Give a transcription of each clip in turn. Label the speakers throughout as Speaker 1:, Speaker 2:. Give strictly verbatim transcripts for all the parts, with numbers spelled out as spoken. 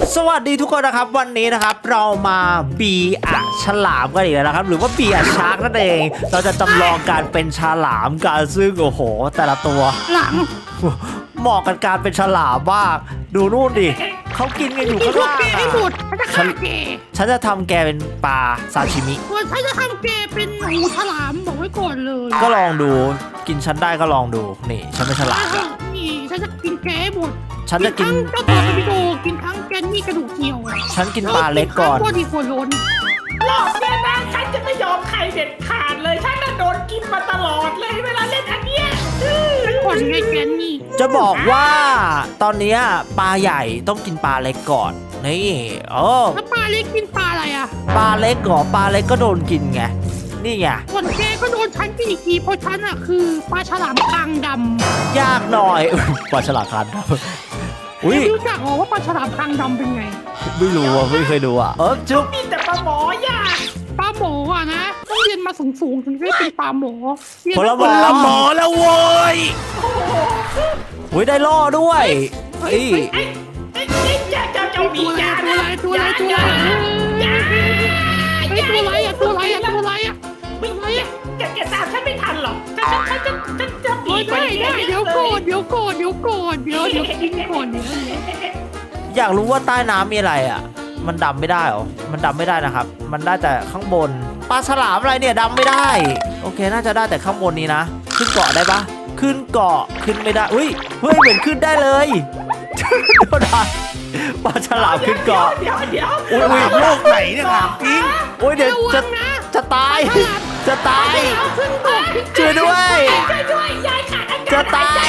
Speaker 1: สวัสดีทุกคนนะครับวันนี้นะครับเรามาบีอะฉลามกันอีกแล้วนะครับหรือว่าบีอะชาร์กนั่นเองเราจะจำลองการเป็นฉลามกันซึ่งโอ้โหแต่ละตัว
Speaker 2: หลัง
Speaker 1: เหมาะกับการเป็นฉลามมากดูนู่นดิเขากินกันอยู่
Speaker 2: กิ
Speaker 1: ข้าน ง
Speaker 2: พวก
Speaker 1: ล่าง
Speaker 2: แกให้หมดฉันจะฆ่าแก
Speaker 1: ฉันจะทำแกเป็นปลาซาชิมิ
Speaker 2: ส่วนฉันจะทำแกเป็นหมูฉลามบอกไว้ก่อนเลย
Speaker 1: ก็ลองดูกินฉันได้ก็ลองดูนี่ฉันเป็นฉลาม
Speaker 2: นี่ฉันจะกินแกให้หมด
Speaker 1: ฉันจะกิน
Speaker 2: ทั้งเจ้าตัวสปิโดกินทั้งแกนนี่กระดูกเหี่ยว
Speaker 1: ฉันกินปลาเล็กก่อน
Speaker 2: ตัวดีกว่าล้น
Speaker 3: รอบเนี้ยนะฉันจะไม่ยอมใครเด็ดขาดเลยฉันน่ะโดนกินมาตลอดเลยเวลาเล่นอันเนี้ย
Speaker 2: ก่อนไงแกนนี่
Speaker 1: จะบอกว่าตอนเนี้ยปลาใหญ่ต้องกินปลาเล็กก่อนนี่โอ้
Speaker 2: แล้วปลาเล็กกินปลาอะไรอ่ะ
Speaker 1: ปลาเล็กเหรอปลาเล็กก็โดนกินไงนี่ไง
Speaker 2: ส่วนแกก็โดนฉันกินอีกทีเพราะฉันอ่ะคือปลาฉลามคางดำ
Speaker 1: ยากหน่อย ปลาฉลามคันครับอุ้ย
Speaker 2: ไม่รู้จักหรอว่าปลาฉลามคางดำเป็นไง
Speaker 1: ไม่รู้อ่ะไม่เคยดูอ่ะเออจุ๊บ
Speaker 3: มีแต่ปลาหมอย่า
Speaker 2: ปลาหมออ่ะนะต้องเรียนมาสูงๆถึงจะได้เป็นปลาหมอเรียน
Speaker 1: ผล
Speaker 2: มา
Speaker 1: ไม้
Speaker 4: หมอแล้วโว้ย
Speaker 1: อุ้ยได้ล่อด้วยเฮ้ย
Speaker 3: ไอ้ไอ้ไอ้เจ้าเจ้าเจ้าหมี
Speaker 2: ตัวอะไร
Speaker 3: ยา
Speaker 2: ตัวอะไรตัวอะไรตัวอะไรเฮ้ยตัวอะไรอ่ะตัวอะไรอ่ะตัวอะไรอ่ะ
Speaker 3: ไม่ไม่แกแกตามฉันไม่ทันหรอกฉันฉันฉันฉันจะหนี
Speaker 2: เฮ้ย
Speaker 3: ไป
Speaker 2: ได้ได้เดี๋ยวก่อนเดี๋ยวก่อนเดี๋ยวก่อนเดี๋ยวเดี๋ยวกินก่อนเดี๋ยว
Speaker 1: อยากรู้ว่าใต้น้ำมีอะไรอ่ะ มันดำไม่ได้เหรอมันดำไม่ได้นะครับ มันได้แต่ข้างบนปลาฉลามอะไรเนี่ยดำไม่ได้โอเคน่าจะได้แต่ข้างบนนี้นะขึ้นเกาะได้ปะขึ้นเกาะขึ้นไม่ได้อุ้ยเฮ้ยเหมือนขึ้นได้เลยโดนได้ปลาฉลามขึ้นเกาะ
Speaker 3: เดี๋ยวเดี๋ยว
Speaker 1: อุ้ยอุ้ย
Speaker 4: โลกไหนเนี่ยถามจริง
Speaker 1: อุ้ยเดี๋ยวจะจะตาย จะตาย
Speaker 2: เอาขึ้นก่อน
Speaker 1: ช่วยด้วย
Speaker 3: ช่วยด้วยยายขาดอากาศ
Speaker 1: จะตาย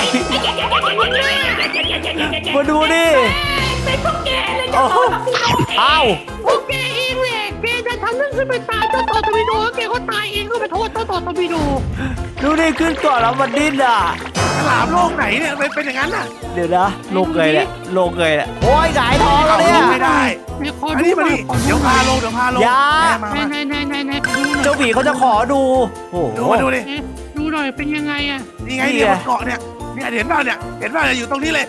Speaker 1: มาดูดิ
Speaker 3: เป็นพวกแกเลยจะ
Speaker 1: โอ้
Speaker 3: โด
Speaker 1: โห
Speaker 3: นกับพี่น้อง
Speaker 1: อ้าว
Speaker 2: พวกแกเองแหละแกจะทำเรื่องขึ้นไปตายเจ้าต่อตะวิโดแล้วแกก็ตายเองก็ไปโทษเจ้าต่อตะวิโด
Speaker 1: ดูดิขึ้นเกาะแล้วมันดิ้นอ่ะ
Speaker 4: ฉลามโลกไหนเนี่ยเป็นเป็นอย่างนั้นน่ะ
Speaker 1: เดี๋ยวนะลงเลยเนี่ยลงเลยเนี่ยโอ้ยหงายท้องแล้วเนี่ย
Speaker 4: ไม่ได้
Speaker 2: ไหนขอ
Speaker 4: อัน
Speaker 2: ดู
Speaker 4: นี้
Speaker 2: ห
Speaker 4: มา
Speaker 2: น่อย
Speaker 4: ดิ
Speaker 2: ขอดู
Speaker 4: เดี๋ยว
Speaker 2: หน่
Speaker 4: พา
Speaker 2: อย
Speaker 4: ลงเดี๋ยวพาลง
Speaker 1: อย่า
Speaker 4: แม่มา
Speaker 2: ไหน
Speaker 4: มา
Speaker 2: ไหนไหนไหนไหนดูหน่อย
Speaker 1: เจ้าหมีเขาจะขอดูโอ้โห
Speaker 4: ดูมาดูดิ
Speaker 2: เอ๊ะดูหน่อยเป็นยังไงอะ
Speaker 4: นี่ไงเนี่ยบนเกาะเนี่ยเนี่ยเห็นป่ะเนี่ยเห็นป่ะเนี่ยอยู่ตรงนี้เลย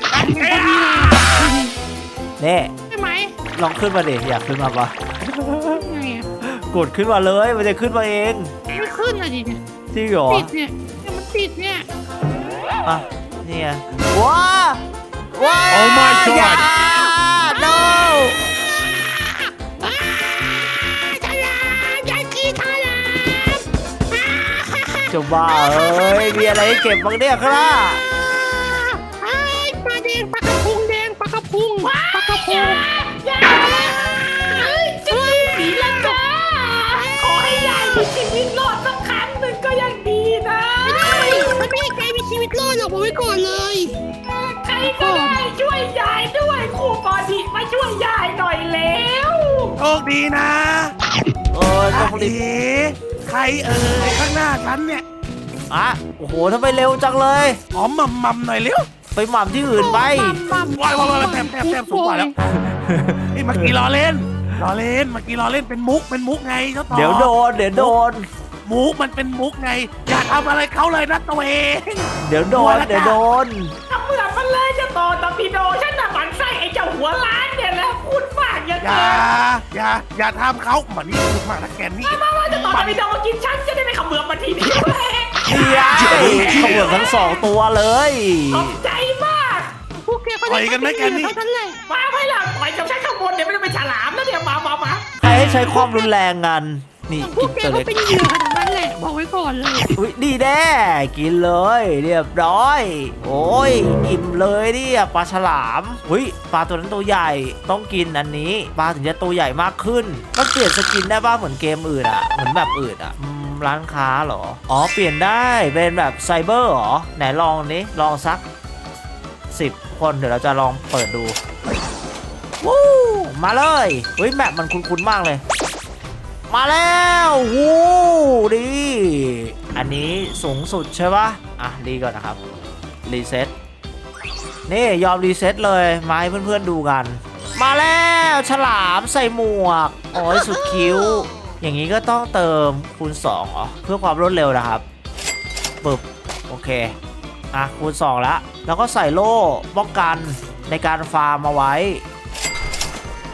Speaker 1: นี่
Speaker 2: ใช่ไหม
Speaker 1: ลองขึ้นมาดิอยากขึ้นมาปะ
Speaker 2: ไงอะ
Speaker 1: กดขึ้นมาเลยมันจะขึ้นมาเอง
Speaker 2: ไม่ขึ้นอะดิเนี่ย
Speaker 1: จริงเหรอ
Speaker 2: ติดเนี่ยเนี่ยมันติดเนี่ย
Speaker 1: อ่ะนี่ไงว้าว้า
Speaker 4: โอ้ my god
Speaker 1: อย่า no
Speaker 2: อ้าฉลามยายกีฉลามอ้า
Speaker 1: จะบ้าเอ้ยมีอะไรให้เก็บบ้างเนี่ยครับ
Speaker 2: ไอ้ปลาแดงปลากระพงแดงปลากระพงปลากระพง
Speaker 3: อย่าเฮ้ยจะหนีละจ้าขอให้ยายมีชีวิตรอดสักครั้งหนึ่งก็ยังดีนะ
Speaker 2: มันไม่ให้ใครมีชีวิตรอดหรอกบอกไว้ก่อนเลย
Speaker 3: ใครก็ได้ช่วยยายด้วยครูปอดีมาช่วยยายหน่อยแล้ว
Speaker 4: โชคดีนะ
Speaker 1: เออต้องรีบ
Speaker 4: เอ๋ใครเอ่ยข้างหน้าฉันเนี่ย
Speaker 1: อ่ะโอ้โหทำไมเร็วจังเลย
Speaker 4: หอมมัมมัมหน่อยเร็ว
Speaker 1: ไปหม่ำที่อื่นไป
Speaker 4: ว้ายว้ายว้ายแต้มแต้มแต้มสูงกว่าแล้วนี่เมื่อกี้ล้อเล่นล้อเล่นเมื่อกี้ล้อเล่นเป็นมุกเป็นมุกไงเจ้าต่อ
Speaker 1: เดี๋ยวโดนเดี๋ยวโดน
Speaker 4: มุกมันเป็นมุกไง อย่าทำอะไรเขาเลยนะตัวเอง
Speaker 1: เดี๋ยวโดนเดี๋ยวโดน
Speaker 3: ทำเหมือนมันเลยจะต่อตอร์ปิโดฉันน่ะหมันไส้ไอ้เจ้าหัวล้านเนี่ยแหล้วพูดมากอย่าง
Speaker 4: อย่า
Speaker 3: เกิน
Speaker 4: อย่าอย่าทำเขาเหมือนนี่พูดมากนะแกนนี่
Speaker 3: มาว่าจะต่อตอร์ปิโดกินฉันจะได้ไม่ขมือบมาทีเดียวเลย
Speaker 1: เดี๋ยวเขาเหมือนทั้งสองตัวเลย
Speaker 3: ขอบใจมาก
Speaker 2: พวกแกก็ได้เท่านั้นแหละ
Speaker 3: มาไม่หลังต่อยกับฉันข้างบนเดี๋ยวไม่ได้เป็นฉลามแล้วเนี่ยมามามา
Speaker 1: ใครให้ใช้ความรุนแรงกันนี่
Speaker 2: พว
Speaker 1: กิ
Speaker 2: ก
Speaker 1: น
Speaker 2: แก
Speaker 1: ตัว
Speaker 2: ก็
Speaker 1: เล็ก
Speaker 2: เป็นเหยื่อขนาดนั้นแหละบอกไว้ก่อนเลย
Speaker 1: อุ้ยดีแน่กินเลยเรียบร้อย โอ้ยอิ่มเลยเนี่ยปลาฉลามอุ้ยปลาตัวนั้นตัวใหญ่ต้องกินอันนี้ปลาถึงจะตัวใหญ่มากขึ้นมันเปลี่ยนสกินได้ป่ะเหมือนเกมอื่นอ่ะเหมือนแบบอื่นอ่ะอืมร้านค้าเหรออ๋อเปลี่ยนได้เป็นแบบไซเบอร์เหรอไหนลองนี้ลองสักสิบคนเดี๋ยวเราจะลองเปิดดูวู้มาเลยเฮ้ยแมปมันคุ้นๆมากเลย มาแล้ววู้ดีอันนี้สูงสุดใช่ปะอ่ะรีก่อนนะครับรีเซ็ตนี่ยอมรีเซ็ตเลยมาให้เพื่อนๆดูกัน มาแล้วฉลามใส่หมวกโอ้ยสุดคิ้ว อย่างนี้ก็ต้องเติมคูณสองเหรอเพื่อความรวดเร็วนะครับปึ๊บโอเคอ่ะคูณสองแล้วแล้วก็ใส่โล่ป้องกันในการฟาร์มมาไว้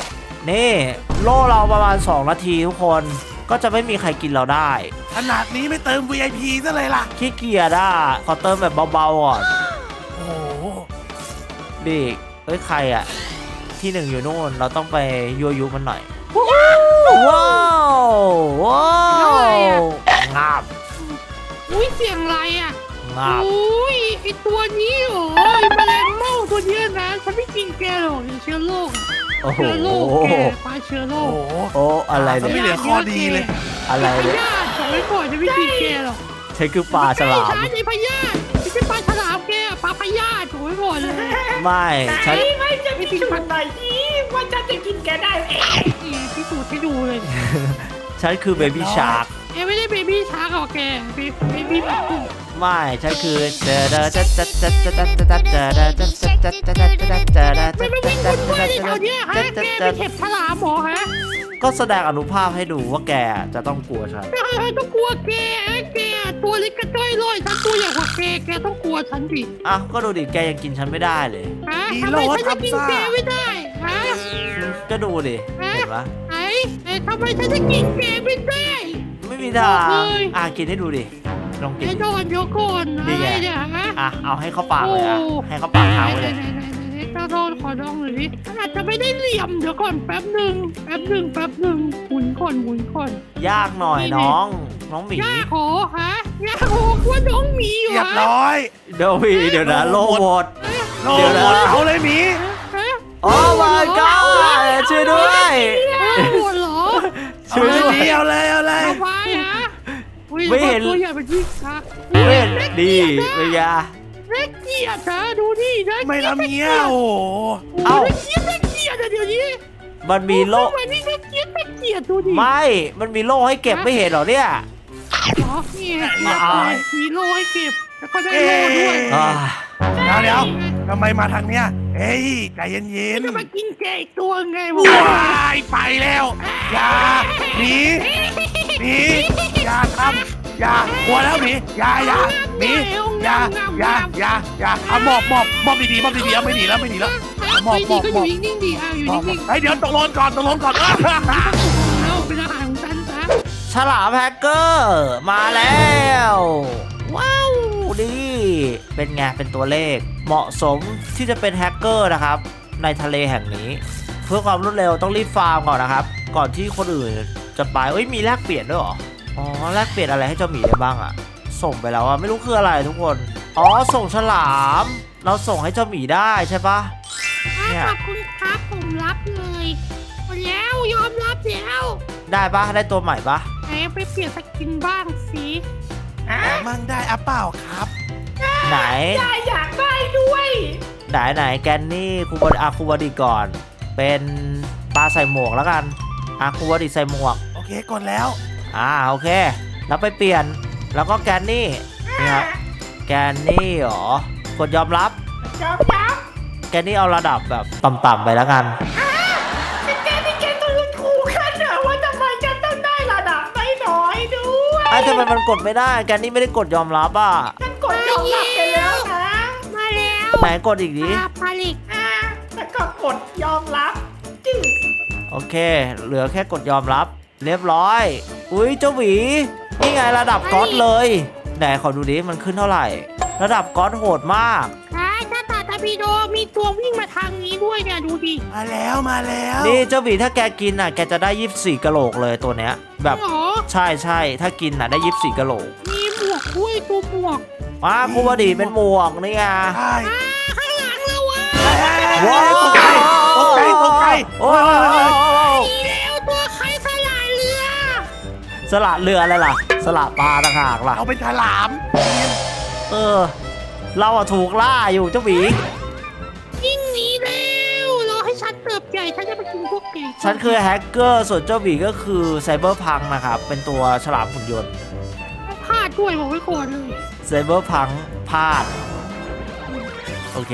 Speaker 1: นี่โล่เราประมาณสองนาทีทุกคนก็จะไม่มีใครกินเราได้
Speaker 4: ขนาดนี้ไม่เติม วี ไอ พี ซะเลยล่ะ
Speaker 1: ขี้เกียจอ่ะขอเติมแบบเบาๆก่อน
Speaker 4: โอ้โห
Speaker 1: ดิเอ้ยใครอ่ะที่หนึ่งอยู่นู่นเราต้องไปยั่วยุมันหน่อยว้าวว้าวงาบ
Speaker 2: อุ้ยเสียงอะไรอ่ะ
Speaker 1: งาบ
Speaker 2: อุ้ยไอตัวนี้เหรอไอแมลงเม่าตัวเนี้ยนะฉันไม่กินแกหรอกเดี๋ยวเชื้อโรค
Speaker 1: โอ้โห
Speaker 2: เชื้อโรคแกปลาเชื้อโร
Speaker 4: โอ้
Speaker 2: ค
Speaker 4: โห
Speaker 1: โอ้อะไร
Speaker 4: ไม่
Speaker 1: เนี่ย
Speaker 4: เหลือข้อดีเลย
Speaker 1: อะไร
Speaker 2: พ
Speaker 1: เนี่ย
Speaker 2: ยาธิส่งไว้ก่อนจะไม่กินแกหรอก
Speaker 1: ใช่คือปลาฉลาม
Speaker 2: ใช่ไอพยาธิไม่ใช่ปลาฉลามแกปลาพยาธิส่งไว้ก่อนเลย
Speaker 1: ไม่
Speaker 3: ไหน
Speaker 1: ฉัน
Speaker 3: ไม่จะพิสูจน์หน่อยสิว่าฉันจะกินแกได้เอง
Speaker 2: นี่พิสูจน์ให้ดูเลย
Speaker 1: ฉันคือเบบี้ชาร์ก
Speaker 2: แกไม่ได้เบบี้ชาร์กหรอกแกเบบี้แบบกุ้ง
Speaker 1: ไม่ฉันคือเจอเดอเจอเจอเจอเจอเจอเจอเจอเจอเจอเจอเจอเจอเจอเจอเจอเจอเจอเจอเจอ
Speaker 2: ไม่ไม่วิ่งวุ่นวายในแถวเนี้ยฮะแกเป็นเห็บฉลามเหรอฮะ
Speaker 1: ก็แสดงอนุภาพให้ดูว่าแกจะต้องกลัวฉัน
Speaker 2: แกต้องกลัวแกแกตัวเล็กกระจ้อยลอยฉันตัวใหญ่กว่าแกแกต้องกลัวฉันดิ
Speaker 1: อ่ะก็ดูดิแกยังกินฉันไม่ได้เลย
Speaker 2: ฮะทำไมฉันจะกินแกไม่ได้ฮะ
Speaker 1: ก็ดูดิเห็นปะ
Speaker 2: ไอ้ไอ้ทำไมฉันจะกินแกไม่ได้
Speaker 1: ไม่มีทาง
Speaker 2: บอกเลย
Speaker 1: อ่ะกินให้ดูดิลองกิน
Speaker 2: ไอ้โดนเดี๋ยวก่อน
Speaker 1: นี่ไง
Speaker 2: ไอ้เนี่ยฮะ
Speaker 1: อ่ะเอาให้เข้าปากเลยอ่ะให้เข้าปากทางไปเลย
Speaker 2: เจ้าโดนขอลองหน่อยดิอาจจะไม่ได้เหลี่ยมเดี๋ยวก่อนแป๊บหนึ่งแป๊บหนึ่งแป๊บหนึ่งหมุนก่อนหมุนก่อน
Speaker 1: ยากหน่อยน้องน้องหมี
Speaker 2: ย่าขอฮะย่าขอว่าน้องหมีอยู่
Speaker 4: เรียบ
Speaker 2: ฮะ
Speaker 4: ร้อย
Speaker 1: เดี๋ยวพี่เดี๋ยวนะโลหมด
Speaker 4: โล
Speaker 1: เดี๋ยวนะ
Speaker 4: หมดเอาเลยหมี
Speaker 2: ฮะ
Speaker 1: โอ้ my god ช่วยด้วย
Speaker 2: ปวดเหรอ
Speaker 4: เอา
Speaker 1: ช่วย
Speaker 4: เลย
Speaker 1: ด้ว
Speaker 4: หมี
Speaker 1: ย
Speaker 4: เอาเลยเอาเลย
Speaker 2: เอาไว้ฮะอุ๊ย
Speaker 1: ไม่เห็น
Speaker 2: ตัวใหญ่เป็นที่ฮะ
Speaker 1: เว้นดีเป็นยา
Speaker 2: เล็กเกียรติฮะดูนี่นะ
Speaker 4: ไม่ทำเงี้ยโอ้โห
Speaker 2: เอ้าเล็กเกียรติเล็กเกียรติอะเดี๋ยวนี้
Speaker 1: มันมีโล
Speaker 2: ทำไมนี่เล็กเกียรติเล็กเกียรติดูดิ
Speaker 1: ไม่ มันมีโล่ให้เก็บไม่เห็นเหรอเนี่ย
Speaker 2: เหรอนี่ไง
Speaker 1: มาเอา
Speaker 2: มีโล่ให้เก็บแล้วก็ได้โล่ด้วย
Speaker 1: อ่า
Speaker 4: เดี๋ยวเดี๋ยวทำไมมาทางเนี้ยเฮ้ยใจเย็น
Speaker 2: จะมากินแกอีกตัวไง
Speaker 4: ๆ
Speaker 2: วะ
Speaker 4: ว้ายไปแล้วอย่าหนีหนีอย่าทำอย่ากลัวแล้วหนีอย่าอย่าหนีอย่าอย่าอย่าอย่าเอาหมอบหมอบหมอบดีๆหมอบดีๆเอาไม่หนีแล้วไม่หนีแล้วหมอบ
Speaker 2: ไม่
Speaker 4: หม
Speaker 2: ดี
Speaker 4: อบ
Speaker 2: ก็
Speaker 4: ห
Speaker 2: อ
Speaker 4: มอบ
Speaker 2: ยู่นิ่งๆดีอ่ะอยู่
Speaker 4: หมอบ
Speaker 2: นิ่งๆ
Speaker 4: เฮ้ยเดี๋ยวตกลงก่อนตกลงก่อน
Speaker 2: แล้วเป็นอาหารของฉันซะ
Speaker 1: ฉลามแฮกเกอร์มาแล้ว ว้าวดีเป็นไงเป็นตัวเลข เหมาะสมที่จะเป็นแฮกเกอร์นะครับ ในทะเลแห่งนี้ เพื่อความรวดเร็วต้องรีบฟาร์มก่อนนะครับ ก่อนที่คนอื่นจะไปเอ้ยมีแลกเปลี่ยนด้วยเหรออ๋อแลกเปลี่ยนอะไรให้เจ้าหมีได้บ้างอะส่งไปแล้วอะไม่รู้คืออะไรทุกคนอ๋อส่งฉลาม เราส่งให้เจ้าหมีได้ใช่ปะ เนี่ย
Speaker 2: ขอบคุณครับผมรับเลยหมดแล้วยอมรับแล้ว
Speaker 1: ได้ปะได้ตัวใหม่ปะ
Speaker 2: ไหนไปเปลี่ยนสกินบ้างสิ
Speaker 3: อ่ะ
Speaker 4: มั่งได้อะเปล่าครับ
Speaker 1: ไหน
Speaker 3: ยายอยากได้ด้วย
Speaker 1: ไหนไหนแกนนี่ครูบอดีอาครูบอดีก่อน เป็นปลาใส่หมวกแล้วกันอาครูบอดีใส่หมวก
Speaker 4: โอเคกดแล้ว
Speaker 1: อ่าโอเค แล้วไปเปลี่ยนแล้วก็แกนนี่นี่ครับแกนนี่เหรอกดยอมรับ
Speaker 3: ยอมรับ
Speaker 1: แกนนี่เอาระดับแบบต่ำๆไปแล้วกัน
Speaker 3: แต่แกนี่แกต้องรู้ถูกกันเหรอว่าทำไมจะต้องได้ระดับน้อยๆด้วย
Speaker 1: ไอ้ทำไมมันกดไม่ได้แกนนี่ไม่ได้กดยอมรับอ่ะ
Speaker 3: ฉันกดยอมรับไปแล้วนะ
Speaker 2: มาแล้ว
Speaker 1: ไหนกดอีกดิ
Speaker 2: ปลาปลาลิก
Speaker 3: อ่ะแล้วก็กดยอมรับจืด
Speaker 1: โอเค เหลือแค่กดยอมรับ เรียบร้อยอุ้ยเจ้าหวีนี่ไงระดับก๊อตเลยไหนขอดูดิมันขึ้นเท่าไหร่ ระดับก๊อตโหดมาก
Speaker 2: ใช่ถ้าตาตาบีโดมีตัววิ่งมาทางนี้ด้วยเนี่ยดูดิ
Speaker 4: มาแล้วมาแล้ว
Speaker 1: นี่เจ้าหวีถ้าแกกินอ่ะแกจะได้ยี่สิบสี่กะโหลกเลยตัวเนี้ย แบบ
Speaker 2: หรอ
Speaker 1: ใช่ใช่ถ้ากินอ่ะได้ยี่สิบสี่กะโหลก
Speaker 2: มีหมวกด้วยตัวหมวก
Speaker 1: อ่าครูบดีเป็นหมวกนี่ไง
Speaker 4: ใช่
Speaker 2: อ่าข้างหลังเราอ่ะ
Speaker 1: ว้าว
Speaker 4: ตกใจตกใจตกใจ
Speaker 1: โอ้ยโอ้ยโอ้ยโอ้ย
Speaker 2: อีแล้วตัวใครสลายเรือ
Speaker 1: สละเรืออะไรล่ะ สละปลาต่างหากล่ะ
Speaker 4: เอาเป็นฉลาม
Speaker 1: เออ เราอะถูกล่าอยู่เจ้าหวี
Speaker 2: ยิ่งหนีแล้วรอให้ฉันเติบใหญ่ฉันจะไปกินพวกแก
Speaker 1: ฉันคือแฮกเกอร์ส่วนเจ้าหวีก็คือไซเบอร์พังนะครับ เป็นตัวฉลามหุ่นยนต์
Speaker 2: พลาดด้วยบอกไว้ก่อนเลย
Speaker 1: ไซเบอร์พังพลาด โอเค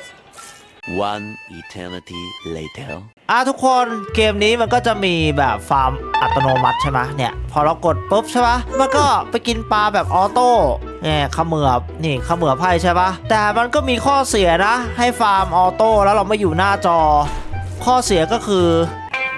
Speaker 5: One eternity later.
Speaker 1: อ่ะทุกคนเกมนี้มันก็จะมีแบบฟาร์มอัตโนมัติใช่ไหมเนี่ยพอเรากดปุ๊บใช่ปะมันก็ไปกินปลาแบบออโต้เนี่ยเขมือบนี่เขมือบไพ่ใช่ปะแต่มันก็มีข้อเสียนะ ให้ฟาร์มออโต้แล้วเราไม่อยู่หน้าจอ ข้อเสียก็คือ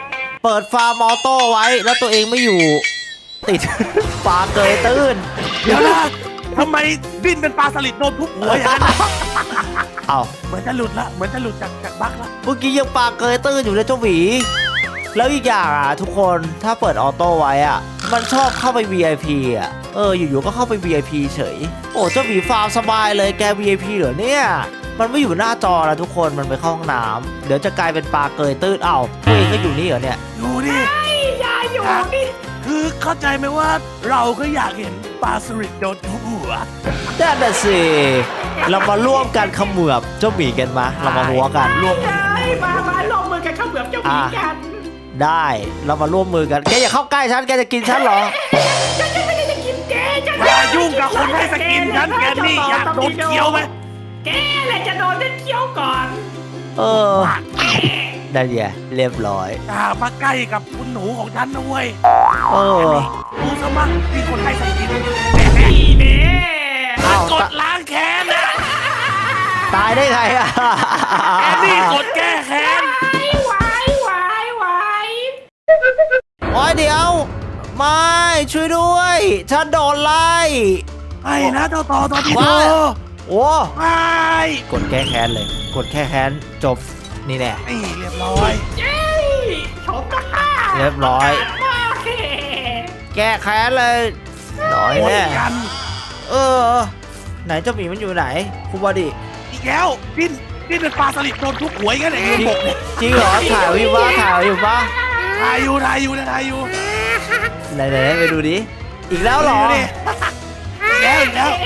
Speaker 1: เปิดฟาร์มออโต้ไว้แล้วตัวเองไม่อยู่ ติด ปลาเกยตื้น
Speaker 4: เดี๋ยวนะทำไมดิ้นเป็นปลาสลิดโดนทุบหัวอย่างนั้นนะ
Speaker 1: เอา
Speaker 4: เหมือนจะหลุดละเหมือนจะหลุดจากจากบั๊กละ
Speaker 1: เมื่อกี้ยังปลาเกยตื้นอยู่เลยเจ้าหวีแล้วอีกอย่างอ่ะทุกคนถ้าเปิดออโต้ไว้อ่ะมันชอบเข้าไป วี ไอ พี อ่ะเอออยู่ๆก็เข้าไป วี ไอ พี เฉยโอ้เจ้าหวีฟาร์มสบายเลยแก วี ไอ พี เหรอเนี่ยมันไม่อยู่หน้าจอแล้วทุกคนมันไปเข้าห้องน้ำเดี๋ยวจะกลายเป็นปลาเกยตื้นเอ้าตัวเองก็อยู่นี่เหรอเนี่ย
Speaker 4: ดูดิ
Speaker 3: ยายอยู่นี่
Speaker 4: คือเข้าใจไหมว่าเราก็อยากเห็นปลาสลิดโดนทุบหัว
Speaker 1: นั่นน่ะสิเรามาร่วมกันเขมือบเจ้าหมีกันมาเรามาหัวกันร่วม
Speaker 3: ยายมามาลงมือกันเข้าเหมือบเจ้าหมีกัน
Speaker 1: ได้เรามาร่วมมือกันแกอย่าเข้าใกล้ฉันแกจะกินฉันเหรอ
Speaker 3: ฉันจะไม่ได้จะกินแกฉัน
Speaker 4: อย่ายุ่งกับคนให้สกินฉันแกนี่อยากโดนเคี้ยวไหม
Speaker 3: แกแหละจะโดนฉันเคี้ยวก่อน
Speaker 1: เออได้เดียเรียบร้อย
Speaker 4: อย่ามาใกล้กับคุณหนูของฉันนะเว้ย
Speaker 1: เออ
Speaker 4: ดูสมัครที่คนให้สกิน
Speaker 3: นี่เด้
Speaker 1: เอ้าก
Speaker 4: ดล้างแค้นนะ
Speaker 1: ตายได้ไงอะ
Speaker 4: แกนี่กดแก้แค้น
Speaker 3: ไหวไหวไหว
Speaker 1: โอ้ยเดี๋ยวไม่ช่วยด้วยฉันโดนไล่
Speaker 4: ไอ้นะต่อต่อต่อที่โต
Speaker 1: ว้า โอ้
Speaker 4: ไอ้
Speaker 1: กดแก้แค้นเลย กดแก้แค้นจบนี่แน่
Speaker 4: นี่เรียบร้อย
Speaker 3: เย้ชมกันค่ะ
Speaker 1: เรียบร้อย
Speaker 3: โอเค
Speaker 1: แก้แค้นเลยน้อย
Speaker 4: หมด
Speaker 1: แน่
Speaker 4: กัน
Speaker 1: เออ ไหนเจ้าหมีมันอยู่ไหนคุณบอดี
Speaker 4: อีกแล้วดิ้นดิ้นเป็นปลาสลิดโดนทุบหัวอย่างนั้นเองบกเนี่ย
Speaker 1: จริงเหรอถ่ายไว้อยู่ปะถ่ายไว้อยู่ปะ
Speaker 4: ถ่ายอยู่ถ่ายอยู่นะถ่ายอยู่
Speaker 1: ไหนไหนไปดูดิอีกแล้วเหรอ
Speaker 4: ดูดิอีกแล้วอีกแล้ว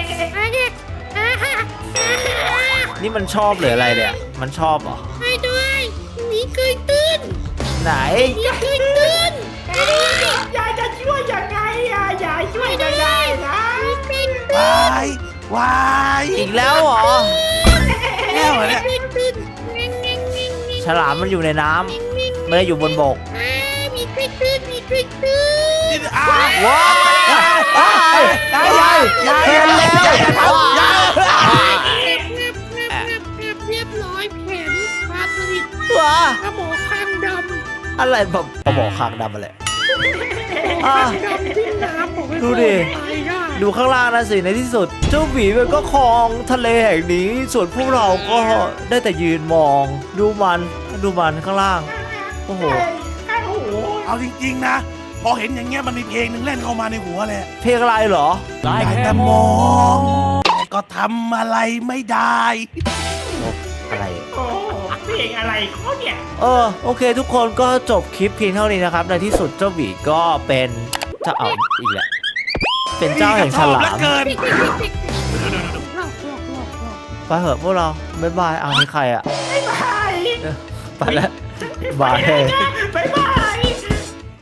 Speaker 1: นี่มันชอบหรืออะไรเนี่ยมันชอบเหรอ
Speaker 2: ไปด้วยหมีเคยตื้น
Speaker 1: ไหน
Speaker 2: หมีเคยตื้น
Speaker 3: ยายจะช่วยยังไงอ่ะยายช่วยไม่ได้นะ
Speaker 2: หมีเคย
Speaker 4: วายวาย
Speaker 1: อีกแล้วเหรอ
Speaker 4: แก้วเหรอเนี่ย
Speaker 2: ตื้นเง่งเง่งเง่งเง่ง
Speaker 1: ฉลามมันอยู่ในน้ำไม่ได้อยู่บนบก
Speaker 2: อ่าหมีเคยตื้นหมีเคยตื้น
Speaker 4: ดิ้นอ้า
Speaker 1: ว้าวว้าวยายเห็นแล้วว้าว
Speaker 2: งับงับงับงับเรียบร้อยแผนปลาสลิด
Speaker 1: ว้า
Speaker 2: ปลาหมอคางดำ
Speaker 1: อะไรแบบปลาหมอคางดำอะไรอ่ะ
Speaker 2: ดำที่น้ำบอกไว้
Speaker 1: ดูดิ
Speaker 2: ตายได้
Speaker 1: ดูข้างล่างนะสิในที่สุด เจ้าหมีมันก็ครองทะเลแห่งนี้ ส่วนพวกเราก็ได้แต่ยืนมอง ดูมันดูมันข้างล่าง โอ้โห
Speaker 3: โอ้โห
Speaker 4: เอาจริงๆนะ พอเห็นอย่างเงี้ยมันมีเพลงหนึ่งเล่นเข้ามาในหัวเลย
Speaker 1: เพลงอะไรเหรอ
Speaker 4: ได้แต่มองแต่ก็ทำอะไรไม่ได้
Speaker 1: อะไร
Speaker 3: โอ้เพลงอะไรเขาเนี่ย
Speaker 1: เออโอเค ทุกคนก็จบคลิปเพียงเท่านี้นะครับ ในที่สุดเจ้าหมีก็เป็นเจ้าเอาอีกแล้วเป็นเจ้าแห่งฉลา
Speaker 4: เหลือ
Speaker 1: ม
Speaker 4: เกิน
Speaker 2: หลอกหลอกหลอกหลอก
Speaker 1: ไปเหอะพวกเราบ๊ายบายเอานี่ใครอ่ะ
Speaker 3: บ๊ายบาย
Speaker 1: ไปแล้วบาย
Speaker 3: บ๊ายบาย